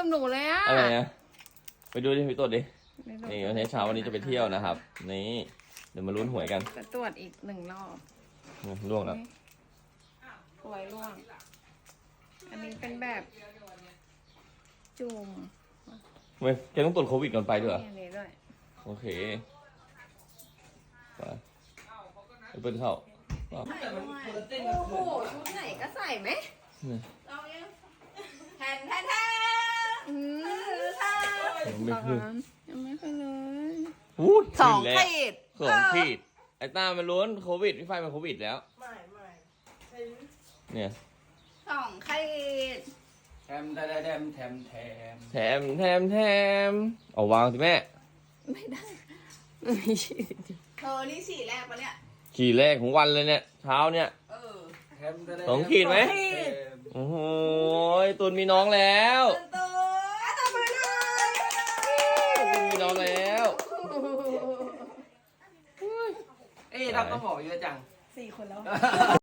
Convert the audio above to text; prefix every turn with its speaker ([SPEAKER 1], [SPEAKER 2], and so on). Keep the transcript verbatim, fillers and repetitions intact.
[SPEAKER 1] กับหนูเลยอะ
[SPEAKER 2] อะไรนะไปดูดิไปตรวจดินี่วันนี้เช้าวันนี้จะไปเที่ยวนะครับนี่เดี๋ยวมาลุ้นหวยกัน
[SPEAKER 1] จะตรวจอีกหนึ่งรอบ
[SPEAKER 2] ล่วงแล้ว
[SPEAKER 1] หวยล่วงอันนี้เป็นแบบจุ่ม
[SPEAKER 2] เว้ยแกต้องตรวจโควิดก่อนไปด้วยเหรอ
[SPEAKER 1] นี่ด้วย
[SPEAKER 2] โอเคไปไปเปิดเข้า
[SPEAKER 1] โอ้โหชุดไหนก็ใส่ไหมเรายังแทนแทนแทนอืม
[SPEAKER 2] ยังไม่ขึ้น
[SPEAKER 1] ยังไม่ขึ้นเลย
[SPEAKER 2] สองขีดสองขีดไอ้ตามันล้วนโควิดพี่ไฟเป็นโควิดแล้ว
[SPEAKER 3] ไม่ไม่
[SPEAKER 2] เนี่ย
[SPEAKER 1] สองขีด
[SPEAKER 3] แถมแถมแถมแถม
[SPEAKER 2] แถมแถมแถมเอาวางสิแม่
[SPEAKER 1] ไม่ได้ไม่ใช่เธอนี่สี่แรกปะเนี่ย
[SPEAKER 2] ขีดแรกของวันเลยเนี่ยเช้าเนี่ยสองขีดไหมโอ้โหตุนมีน้องแล้ว
[SPEAKER 1] ตุนตุน
[SPEAKER 2] มีน้องแล้ว
[SPEAKER 3] เอ๊ะทำต้องหมอเยอะจัง
[SPEAKER 1] สี่คนแล้ว